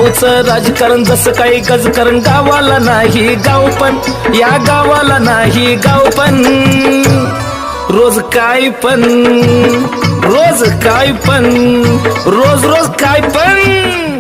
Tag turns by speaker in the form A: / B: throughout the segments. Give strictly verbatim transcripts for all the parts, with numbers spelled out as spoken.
A: गावचं राजकारण जसं काही गजकारण गावाला नाही गाव पण या गावाला नाही गाव पण रोज काय पण रोज काय पण रोज रोज काय पण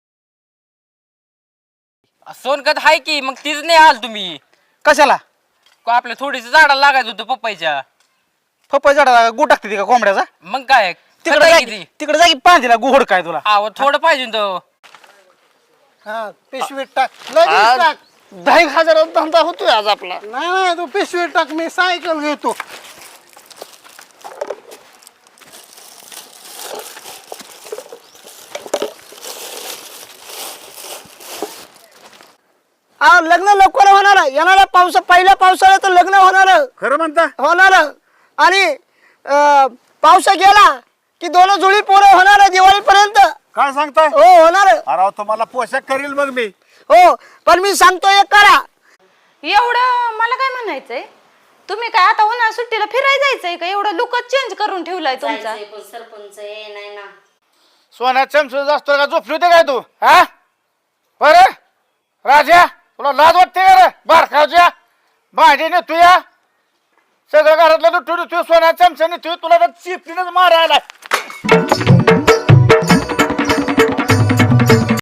B: सोनकत हाय की मग तीच नाही आल तुम्ही
C: कशाला
B: का आपल्या थोडीस झाडाला लागायचं होतं पप्पाच्या
C: पप्पा झाडा गु टाकते ती का कोंबड्याचा
B: मग काय
C: तिकडे
B: खरं आहे
C: जागी
B: किती
C: तिकडे जागी पांजीला गुहड काय तुला
B: आव थोडं पाहिजे तो
D: हा पिशवीत टाक लगेच टाक
C: दहा एक हजारात धंदा होतोय आज आपला
D: नाही नाही तू पिशवीत टाक मी सायकल घेतो हा लग्न लवकर होणार येणाऱ्या पावसा पहिल्या पावसाळ्यात लग्न होणार
C: खरं म्हणता
D: होणार आणि अं, पावसा गेला की दोन जुळी पोरं होणार दिवाळीपर्यंत
C: काय सांगताय
D: हो होणार
C: अरे तुम्हाला पोशाख करील मग मी
D: हो पण मी सांगतो एक करा
E: एवढं मला काय म्हणायचंय तुम्ही काय आता उन्हाळ्या सुट्टीला फिरायला जायचंय का एवढं लुकच चेंज करून ठेवलाय तुमचा
F: जायचंय पण सरपंच ये नाही ना
C: सोन्या चमच असतो का झोपली होते काय तू हा बरं राजा तुला लाज वाटते का रे बारकावच्या भांडी ने तू या सगळं घरातलं लुटू तू सोन्या चमच्याने तू तुला तर चिपटीनच मारायला